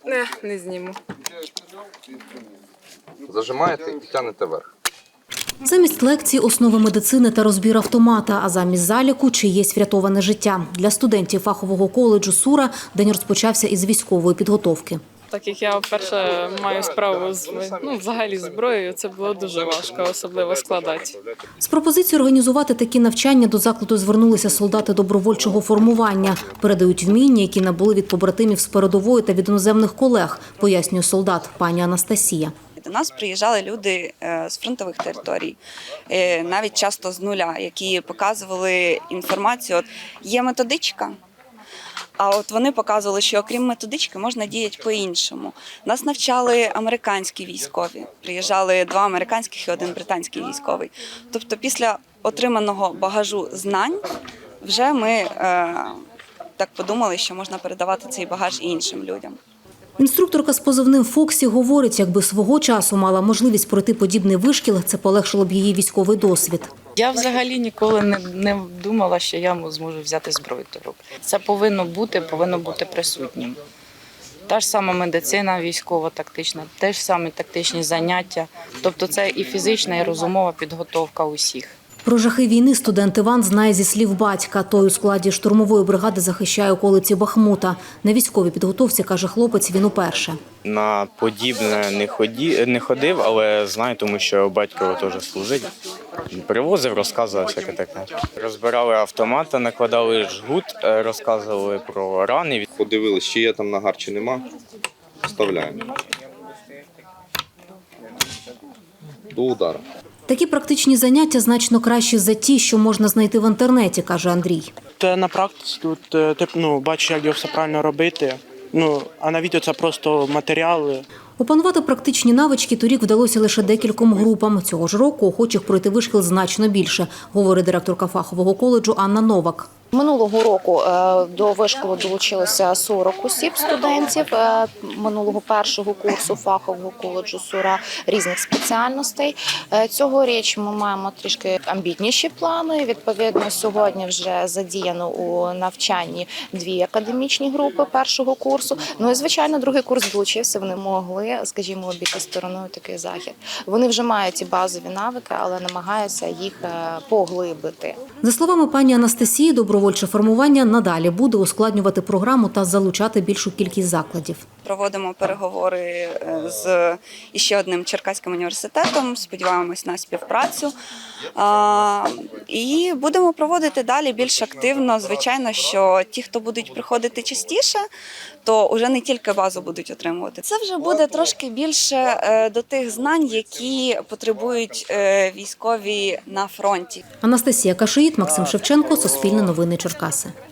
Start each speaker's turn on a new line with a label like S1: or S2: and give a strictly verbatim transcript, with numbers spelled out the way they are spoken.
S1: Не, не зніму.
S2: Зажимаєте і тягнете вверх.
S3: Замість лекцій основи медицини та розбір автомата, а замість заліку чиєсь врятоване життя. Для студентів фахового коледжу «Сура» день розпочався із військової підготовки.
S1: Так як я вперше маю справу з ну, взагалі зброєю, це було дуже важко, особливо складати.
S3: З пропозицією організувати такі навчання до закладу звернулися солдати добровольчого формування. Передають вміння, які набули від побратимів з передової та від іноземних колег, пояснює солдат пані Анастасія.
S4: До нас приїжджали люди з фронтових територій, навіть часто з нуля, які показували інформацію. От є методичка, а от вони показували, що окрім методички можна діяти по-іншому. Нас навчали американські військові. Приїжджали два американських і один британський військовий. Тобто після отриманого багажу знань вже ми е, так подумали, що можна передавати цей багаж і іншим людям.
S3: Інструкторка з позивним «Фоксі» говорить, якби свого часу мала можливість пройти подібний вишкіл, це полегшило б її військовий досвід.
S5: Я взагалі ніколи не, не думала, що я зможу взяти зброю до рук. Це повинно бути, повинно бути присутнім. Та ж сама медицина військово-тактична, те ж самі тактичні заняття. Тобто це і фізична, і розумова підготовка усіх.
S3: Про жахи війни студент Іван знає зі слів батька. Той у складі штурмової бригади захищає околиці Бахмута. На військовій підготовці, каже хлопець, він уперше.
S6: На подібне не, ході, не ходив, але знаю, тому що батько теж служить. Привозив, розказував всяке таке. Розбирали автомати, накладали жгут, розказували про рани.
S2: Подивилися, чи є там нагар, чи нема. Вставляємо. До удару.
S3: Такі практичні заняття значно кращі за ті, що можна знайти в інтернеті, каже Андрій.
S7: Та на практиці тут ти ну, бачиш, як його все правильно робити. Ну, а на відео це просто матеріали.
S3: Опанувати практичні навички торік вдалося лише декільком групам. Цього ж року охочих пройти вишкіл значно більше, говорить директорка фахового коледжу Анна Новак.
S8: Минулого року до вишколу долучилося сорок осіб студентів минулого першого курсу фахового коледжу «Сура» різних спеціальностей. Цьогоріч ми маємо трішки амбітніші плани. Відповідно, сьогодні вже задіяно у навчанні дві академічні групи першого курсу. Ну і, звичайно, другий курс долучився, вони могли, скажімо, обійти стороною такий захід. Вони вже мають ці базові навики, але намагаються їх поглибити.
S3: За словами пані Анастасії, добровольче формування надалі буде ускладнювати програму та залучати більшу кількість закладів.
S4: Проводимо переговори з іще одним Черкаським університетом, сподіваємось на співпрацю. І будемо проводити далі більш активно. Звичайно, що ті, хто будуть приходити частіше, то вже не тільки базу будуть отримувати. Це вже буде трошки більше до тих знань, які потребують військові на фронті.
S3: Анастасія Кашиїт, Максим Шевченко, Суспільне новини Черкаси.